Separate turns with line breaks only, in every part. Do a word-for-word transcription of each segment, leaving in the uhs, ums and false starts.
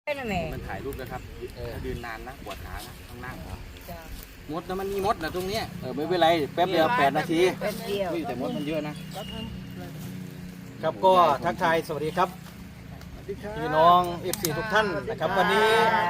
มันถ่ายรูปนะครับยืนนานนะปวดขานะต้องนั่งมดนะมันมีมดนะตรงนี้เออไม่เป็นไรแป๊บเดียวแปดนาทีแต่มดมันเยอะนะครับก็ทักทายสวัสดีครับพี่น้องเอฟซีทุกท่านนะครับวันนี้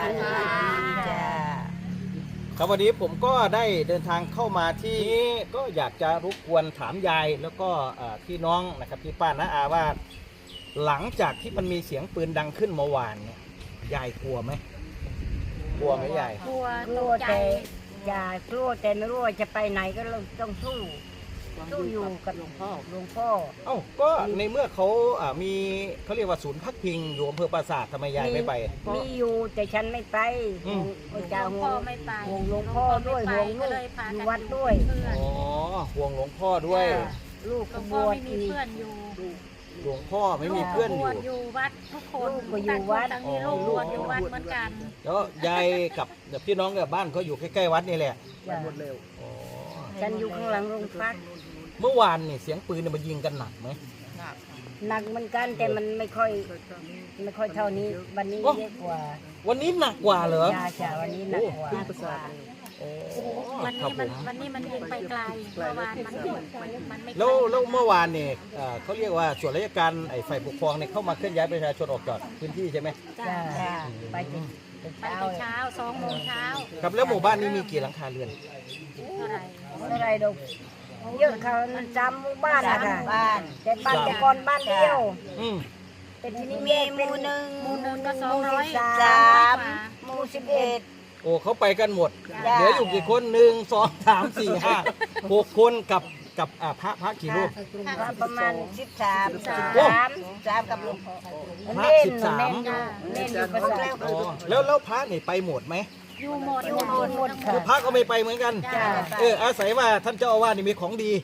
ครับวันนี้ผมก็ได้เดินทางเข้ามาที่ก็อยากจะรบกวนถามยายแล้วก็พี่น้องนะครับพี่ป้าน้าอาว่าหลังจากที่มันมีเสียงปืนดังขึ้นเมื่อวานเนี่ยยายกลัวไหมกลัวไหมยาย
กลัวกลัวแต่ยายกลัวแต่ไม่รู้ว่าจะไปไหนก็ต้องสู้สู้อยู่กับหลวงพ่อหลวงพ่อ
เอ้าก็ในเมื่อเขาอ่ามีเขาเรียกว่าศูนย์พักพิงอยู่อำเภอปราสาททำไมยายไม่ไป
มีอยู่แต่ฉันไม่ไป
หลวงพ่อไม่ไป
ห่วงหลวงพ่อด้วยห่วงลูกอยู่วัดด้วย
อ๋อห่วงหลวงพ่อด้วย
ลูก
หลวงพ่อไม่มีเพื่อนอยู่
หลวงพ่อไม่มีเพื่อนอยู่
อยู่วัดทุกคนก็อยู่วัดทั้งนี้ลูกบวชอยู่วัดเหมือนกัน
แล้วยายกับพี่น้องกับบ้านเขาอยู่ใกล้ๆวัดนี่แหละ
หมดเร็วฉันอยู่ข้างหลังโรงพัก
เมื่อวานนี่เสียงปืนมันยิงกันหนักไหม
หนักเหมือนกันแต่มันไม่ค่อยไม่ค่อยเท่านี้วันนี้เยอะกว่า
วันนี้หนักกว่าเหรอ
ใช่ใช่วันนี้หนักกว่า
วันนี้มันวันนี้มันยิงไปไกลเมื่อวานมันมันไม่
แล้วแล้วเมื่อวานเนี่ยเขาเรียกว่าส่วนราชการไอ้ฝ่ายปกครองเนี่ยเข้ามาเคลื่อนย้ายประชาชนออกจากพื้นที่ใช่ไหม
ใช่ไป
ไปเช้าสองโมงเช้า
ครับแล้วหมู่บ้านนี้มีกี่หลังคาเรือน
เท่าไหร่
เท่าไหร่ดอกเยอะเขาจำหมู่บ้านอะค่ะบ้านแต่บ้านแต่ก่อนบ้านเดียวแต่ทีนี้มีหมู่หนึ่ง
หมู่หนึ่งก็สองร้อย
สามหมู่สิบเอ็ด
โอ้เขาไปกันหมดเหลืออยู่กี่คนหนึ่งสองสามสี่ห้าหกคนกับกับพระพระกี่รูป
ประมาณสิบสามสามสามกับหลวงพ่อ
พระสิบสาม
เล่นอยู่ประสาท
แล้วแล้วพระนี่ไปหมดไหม
อยู่หมด
อยู่หมด
คือพระก็ไม่ไปเหมือนกันเอออาศัยว่าท่านเจ้าอาวาสนี่มีของดี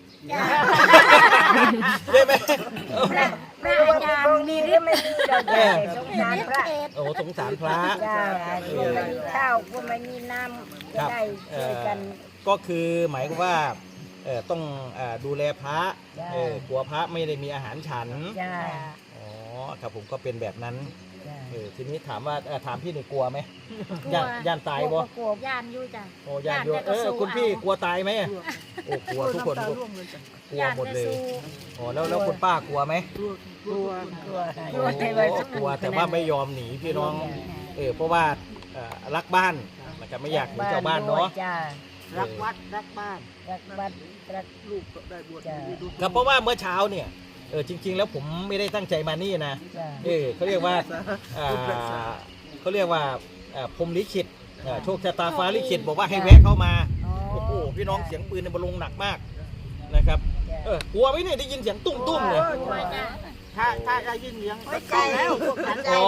ใช่ไหม
พระอาจารย์มีหรือไม่มีเราแต่สงสารพระ
โอ้สงสารพระ
ก็ไม่มีข้าวก็ไม่มีน้ำจะได้ช่วยกัน
ก็คือหมายความว่าต้องดูแลพระกลัวพระไม่ได้มีอาหารฉันอ๋อครับผมก็เป็นแบบนั้นเออทีนี้ถามว่าถามพี่นี่กลัวไหมย่านย่านตายบ่
กลัวย่านอยู่จ้ะ
โอ้ย่านอยู่เออคุณพี่กลัวตายไหมโอ้กลัวทุกคนกลัวหมดเลยอ๋อแล้วแล้วคุณป้ากลัวไหม
กลัวกลัว
กลัวกลัวแต่ว่าไม่ยอมหนีพี่น้องเออเพราะว่ารักบ้านนะครับไม่อยากหนีเจ้าบ้านเนาะ
รักวัดรักบ้านรักวัดรักลูกได้บวช
ครับเพราะว่าเมื่อเช้าเนี่ยเออจริงๆแล้วผมไม่ได้ตั้งใจมานี่นะเออเขาเรียกว่าเขาเรียกว่าพรมลิขิตโชคชะตาฟ้าลิขิตบอกว่าให้แวะเข้ามาโอ้โหพี่น้องเสียงปืนในบอลลงหนักมากนะครับเออกลัวไหมเนี่ยได้ยินเสียงตุ้มตุ้มเลย
ถ้าถ้าได้ยินเสียงไม่ใจแล้ว
อ๋อ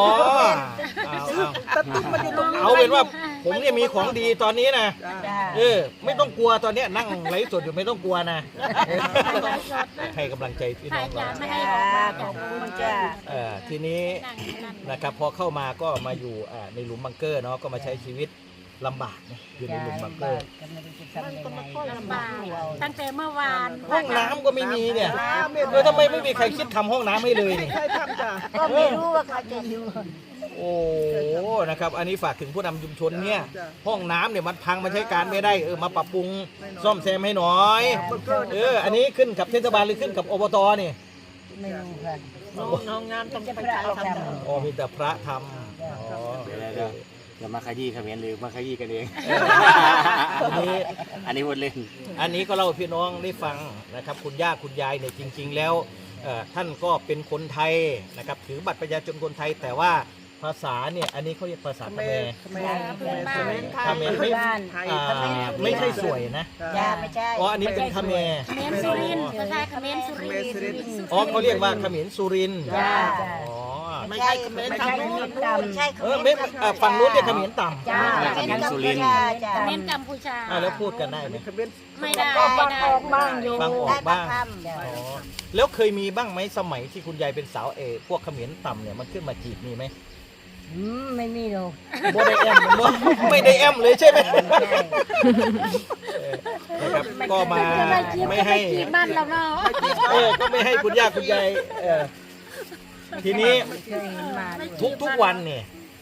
เอาเป็นว่าผมเนี่ยมีของดีตอนนี้นะเออไม่ต้องกลัวตอนนี้นั่งไลฟ์สดอยู่ไม่ต้องกลัวนะให้กำลังใจพี่น้องเรา
ขอบคุณจ้า
เออทีนี้นะครับพอเข้ามาก็มาอยู่ในหลุมบังเกอร์เนาะก็มาใช้ชีวิตลำบากอยู่ในหลุมบังเกอร์
ลำบากตั้งแต่เมื่อวาน
ห้องน้ำก็ไม่มีเนี่ยเออทำไมไม่มีใครคิดทำห้องน้ำให้เลย
ใครทำจ้ะก็ไม่รู้ว่าเขาจะอยู่
โอ้นะครับอันนี้ฝากถึงผู้นำชุมชนเนี่ยห้องน้ำเนี่ยมันพังมันใช้การไม่ได้เออมาปรับปรุงซ่อมแซมให้หน่อยเอออันนี้ขึ้นกับเทศบาลหรือขึ้นกับอบตนี่
ไม่รู้ค่ะ
ห้องน้ำต้อง
พระทำ
อ๋อมีแต่พระทำอ๋อ
จะมาขยี้เขมรหรือมาขยี้กันเอง
อันนี้
อันนี้วนเล่น
อันนี้ก็เล่าพี่น้องได้ฟังนะครับคุณย่าคุณยายเนี่ยจริงๆแล้วท่านก็เป็นคนไทยนะครับถือบัตรประชาชนคนไทยแต่ว่าภาษาเนี่ยอันนี้เขาเรียกภาษาเขมรเขมรเขมรไม่ไม่ใช่สวยนะ
ไม่ใช่
อ๋ออันนี้เป็นเขมร
เขมรสุรินทร์ภาษาเขมรสุรินทร์
อ๋อเขาเรียกว่าเขมรสุรินทร์อ๋อ
ไม่ใช่เขมรต่ำใช่
เออไม่ฝั่งนู้นเรียกเขมรต่
ำเขมรสุรินทร์เขมรกัมพูชา
แล้วพูดกันได้ไหม
ไม่ได้
ฟังออกบ้างอยู่
ฟังออกบ้างอ๋อแล้วเคยมีบ้างไหมสมัยที่คุณยายเป็นสาวเอพวกเขมรต่ำเนี่ยมันขึ้นมาจีบมีไหม
อืมไม่มีหรอก
ไม่ได้แอมไม่ได้แอมเลยใช่ไหมนะครับก็มาไม่ให้
บ้านเราเนาะ
เออก็ไม่ให้คุณย่าคุณยายเออทีนี้ทุกทุกวันเนี่ย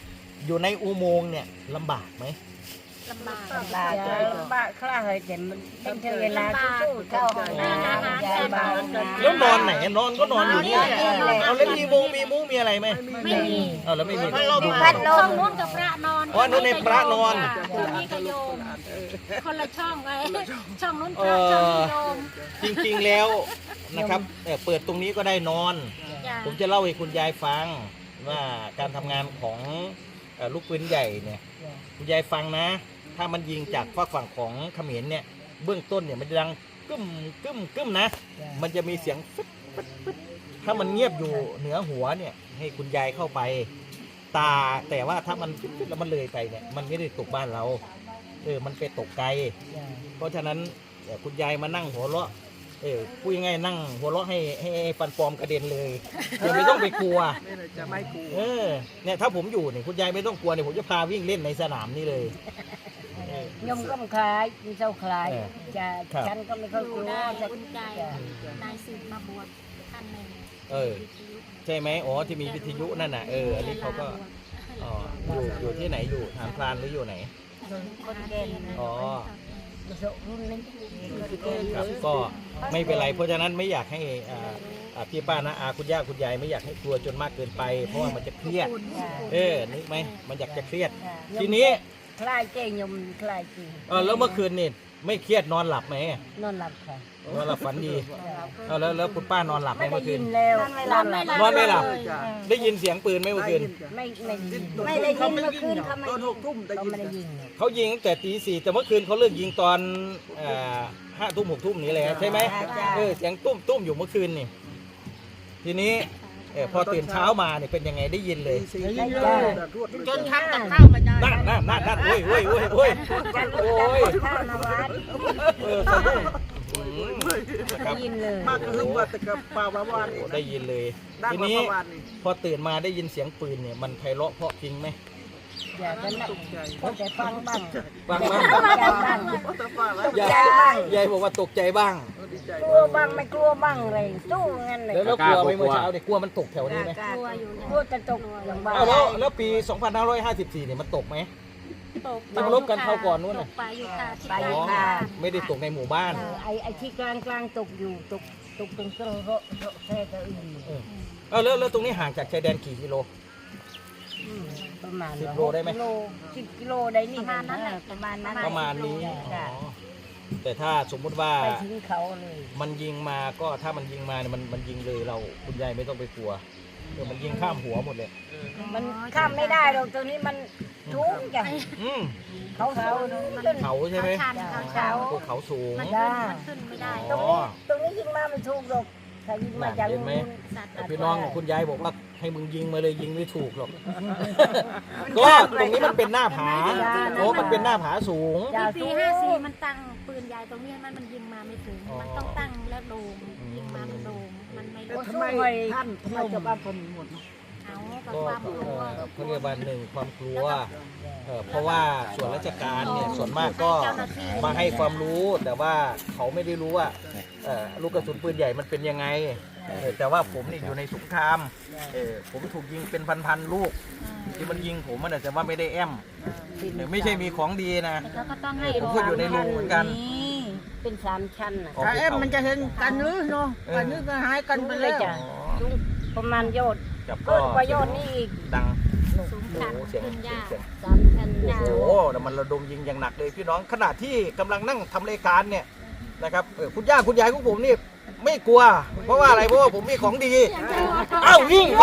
อยู่ในอุโมงค์เนี่ยลำบากไหม
ลำบาก
ลำบากลำบากคลาเฮ้ยแต่มันเป็นเธอเวลาสู้ๆเข้าห้องน้ำยายเบานะ
แล้วนอนไหนนอนก็นอนอยู่นี่เอาแล้วมีมุ้งมีมุ้งมีอะไรไหม
ไม่มี
เอาแล้วไม่มี
มีพัดล
ช่อ
ม
งนู้นกับพระนอน
อ๋อนู้นในพระนอน
ช่องนี้ก็โยมคนละช่องไว้ช่องนู้นพ
เอ
ระช่อง
อ
นี้โยม
จริงๆแล้วนะครับเอ่อเปิดตรงนี้ก็ได้นอน
จ้ะ
ผมจะเล่าให้คุณยายฟังว่าการทำงานของเอ่อลูกปืนใหญ่เนี่ยคุณยายฟังนะ ถ้ามันยิงจากฝากฝั่งของเขมรเนี่ยเบื้องต้นเนี่ยมันจะดังกึ้มกึ้มกึ้มนะ มันจะมีเสียงฟึดฟึดฟึดถ้ามันเงียบอยู่เหนือหัวเนี่ยให้คุณยายเข้าไปตาแต่ว่าถ้ามันฟึดฟึดแล้วมันเลยไปเนี่ยมันไม่ได้ตกบ้านเราเออมันไปตกไกล เพราะฉะนั้นเอ่อคุณยายมานั่งหัวเราะเออพูดง่ายๆนั่งหัวเราะให้ให้ให้ฟันปลอมกระเด็นเลยอย่าไม่ต้องไปกลัว
จะไม่กลัว
เออเนี่ยถ้าผมอยู่เนี่ยคุณยายไม่ต้องกลัวเนี่ยผมจะพาวิ่งเล่นในสนามนี่เลย
ยมก็ไม่คล้ายมีเจ้าคล้าย
เออ
จะ
ครับ
ฉันก็ไม่ค่อย
ดู
กลัว
ได้
จะ
อุ่นใจนายสืบมาบวชท่านหนึ่ง
เออ ใช่ไหมอ๋อที่มีวิทยุนั่นน่ะเอออันนี้เขาก็อ๋ออยู่อยู่ที่ไหนอยู่ฐานพรานหรืออยู่ไหน
คนเก่ง
อ๋อ
มาโชรุ่นนี้คนเก่ง
ครับก็ไม่เป็นไรเพราะฉะนั้นไม่อยากให้อ่าอ่าพี่ป้านะอาคุณย่าคุณยายไม่อยากให้กลัวจนมากเกินไป เพราะว่ามันจะเครียดเออนึกไหมมันอยากจะเครียด ทีนี้
คล้ายเก่งยมคล้ายจริง
เออแล้วเมื่อคืนนี่ไม่เครียดนอนหลับไหม
นอนหลับค่ะ
นอนหลับฝันดีเอาแล้วแล้วคุณป้านอนหลับไหม
ไม่ได้
เมื่อคื
ยิ
น
นแล้ว
นอนไม่หลับ
นอนไม่หลับ
เลย
ได้ยินเสียงปืนไหมเมื่อคืน
ไม่ไม่ได้ยินไม่ได้ยินเมื่อคืนเขาไม่
ตอนหกทุ่มได้
เขา
ยิน
ไม่ได้ยิน
เขายิงตั้งแต่ตีสี่แต่เมื่อคืนเขาเลิกยิงตอนห้าทุ่มหกทุ่มนี้เลยใช่ไหมเออเสียงตุ้มตุ้มอยู่เมื่อคืนนี่ทีนี้เออพอตื่นเช้ามาเนี่ยเป็นยังไงได้ยินเลย
สี่ยิงเลยรวด
จนทำกับ
ข้าวมาได้
นั่นนั่นนั่นนั่นโอ้ยโอ้ยโอ้ยโอ้ย
กัน
โอ้ย
ข้าวมาวัด
เออสะดุ้งอืมนะค
ได้
รับ
ยินเลย
มากก็คือว่าแต่กับป่าวาวาน
โอ้ได้ยินเลย
ดัง
ที
กว่า
นี้
ป่าวานนี่
พอตื่นมาได้ยินเสียงปืนเนี่ยมันไพเราะเพราะจริงไหม
อย่าจะนั่งก็จะฟังบ้าง
ฟังบ้าง
ใจบ้าง
แต่ป่าวแล้ว
ยาย
ใจบ้าง
ยายบอกว่าตกใจบ้าง
ดีใจ
กลัวบ้างไม่กลัวบ้างเลยสู้งั้นเลย
แล้วแล้วกลัวไหมเมื่อเช้าเนี่ยกลัวมันตกแถวนี้ไหม
กลัวอยู่เนี่ย
กลัวจะตกอย่างบ้า
อ้าวแล้วแล้วปี สองพันห้าร้อยห้าสิบสี่ เนี่ยมันตกไหม
ตก
ที่มาลบกันคราวก่อนนู้น
ต
น่ะ
กปลาอยู่ค่ะที่
ไป
ใกล้
อยู่
บ้า
ค่ะ
น
ไม่ได้ตกในหมู่บ้าน
เออไอ้ไอ้ที่กลางกลางตกอยู่ตกตกตรงเครื่องโรโรแท้ตัวอื่น
เออเอาแล้วแล้วตรงนี้ห่างจากชายแดนกี่กิโล
มประมาณ
สิบโลได้ไหม
กิโลสิบกิโลได้นี่
ประมาณนั้นแหละ
ประมาณนั้น
ประมาณนี้
จ้ะ
อ๋อแต่ถ้าสมมุติว่า
ไปถึงเขาเลย
มันยิงมาก็ถ้ามันยิงมาเนี่ยมันมันยิงเลยเราคุณยายไม่ต้องไปกลัวเออมันยิงข้ามหัวหมดเลย
มันข้ามไม่ได้หรอกตรงนี้มันทุกอย่าง
อืม
เขาเขา
เขาใช่ไหม
เขาชันเขาชัน
ภูเขาสูง
มัน
จ้า
ขึ้นไม่ได้
ตรงนี้ตรงนี้ยิงมาไม่ถูกหรอกถ้ายิงมาจาก
เห็นไหม
นู้น
สัตว์
แต่พี่น้องคุณยายบอกว่าให้มึงยิงมาเลยยิงไม่ถูกหรอก ก็ตรงนี้มันเป็นหน้าผาโอ้มันเป็นหน้าผาสูง
อย่า
ปี
สู้
ห้าสี่มันตั้งปืนใหญ่ตรงนี้มันมันยิงมาไม่ถึง
อ๋อ
มันต้องตั้งแล้วโดมยิงมามันโดมมันไม่
แล้วทำไมท่านทำไมชาวบ้านคนหมดเนาะ
เอากับ
ก็
ความกลัว
เอ่อเขาเรียกว่าหนึ่งความกลัวเอ่อเพราะว่าส่วนราชการเนี่ยส่วนมากก็มาให้ความรู้แต่ว่าเขาไม่ได้รู้ว่าเอ่อลูกกระสุนปืนใหญ่มันเป็นยังไงเออแต่ว่าผมนี่อยู่ในสงครามเออผมถูกยิงเป็นพันๆลูกที่มันยิงผมมันอาจจะว่าไม่ได้แอมเออไม่ใช่มีของดีนะ
แต่เขาก็ต้องให้
ผมก็อยู่ในรูเหมือนกัน
เป็นสามชั้นน่ะ
ของ
ถ้า
ภู
เอ็ม
เขา
มันจะเห็นกันหรือเนาะกันหรือก็หายกันไปแล้ว
อ๋อ
ประมาณยอด
จับ
เกิ
ก็
นกว่ายอดนี่อีก
ดัง
สูง
โอ้
ชัน
โหเสียง
ขึ้น
เสียง
ยาก
เสียง
สามชั้น
โอ้โหแต่มันระดมยิงอย่างหนักเลยพี่น้องขณะที่กำลังนั่งทำรายการเนี่ยนะครับเออคุณย่าคุณยายของผมนี่ไม่กลัว เพราะว่าอะไรเพราะว่าผมมีของดีเอ้าวิ่ง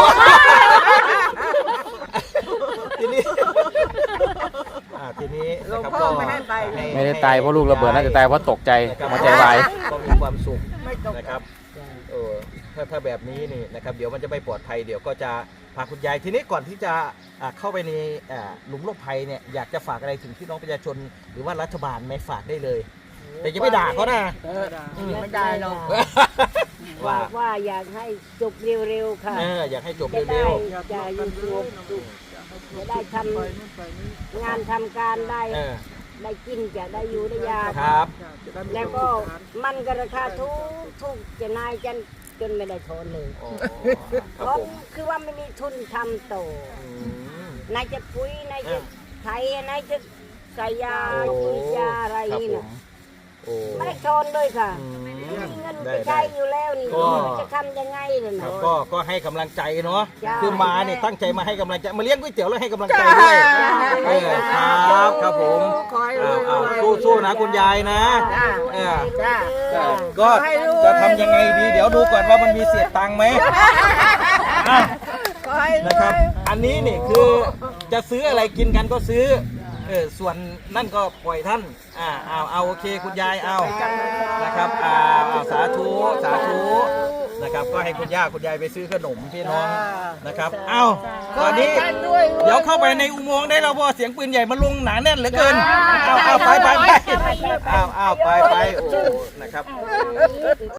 ทีนี้อ่าทีนี้นะครับก็
ไม่ให้ไป
ไม่ได้ตายเพราะลูกระเบิดน่าจะตายเพราะตกใจ
นะครับ
หัวใจวาย
ก็มีความสุขนะครับเออถ้าถ้าแบบนี้นี่นะครับเดี๋ยวมันจะไม่ปลอดภัยเดี๋ยวก็จะพาคุณยายทีนี้ก่อนที่จะอ่าเข้าไปในอ่าหลุมหลบภัยเนี่ยอยากจะฝากอะไรถึงพี่น้องประชาชนหรือว่ารัฐบาลไหมฝากได้เลย แต่อย่าไปด่าเขานะ
ไม่ได้หรอก
ว่า
ว่าว่าอยากให้จบเร็วๆค่ะ
เอออยากให้จบ
จะ
เร็
ได้
ว
จะอยู่ตัวจะได้ทำงานทำการได้
ๆเออ
ได้กินจะได้อยู่ได้ยา
ครับ
แล้วก็มันก็ราคาทุกทุกจะนายจันจนไม่ได้ทนเลย
อ๋อค
เพ
รับ
ราะ
ผม
คือว่าไม่มีทุนทำโตอ
อืม
นายจะปุ๋ยนายจะไถนายจะใส่ยา
โอ้
ปุ๋ยยาอะไร
ครับ
นี่
ผ
นะ
มโอ้
ไม่ได้ชนเลยค่ะ
อืม
มีเงินไป
ได้
ใช้
ได้
อยู่แล้วนี่
ก็
จะทำยังไงเลย
ครั
นะ
บก็ก็ให้กำลังใจเนาะ
จ้า
คือมาเนี่ยตั้งใจมาให้กำลังใจมาเลี้ยงก๋วยเตี๋ยวแล้วให้กำลังใจด้วยเออครับครับผม
ขอให้ร
อ้าว
วย
อ้าว
รวย
สู้สู้นะคุณยายนะเออ
จ้า
เออก็จะทำยังไงดีเดี๋ยวดูก่อนว่ามันมีเศษตังค์ไหมอ่ะ
ขอให้รวย
นะครับ อันนี้นี่คือจะซื้ออะไรกินกันก็ซื้อเออส่วนนั่นก็ปล่อยท่านอ่าเอาเอาโอเคคุณยายเอานะครับอ่าเอาสาธุสาธุนะครับ ก็ให้คุณย่าคุณยายไปซื้อขนมพี่น้องนะครับ เอาตอนนี้ เดี๋ยวเข้าไปในอุโมงค์ได้แล้วเพราะว่าเสียงปืนใหญ่มันลงหนาแน่นเหลือเกินเอาเอาไปไปไปเอาเอาไปไปโอ้นะครับ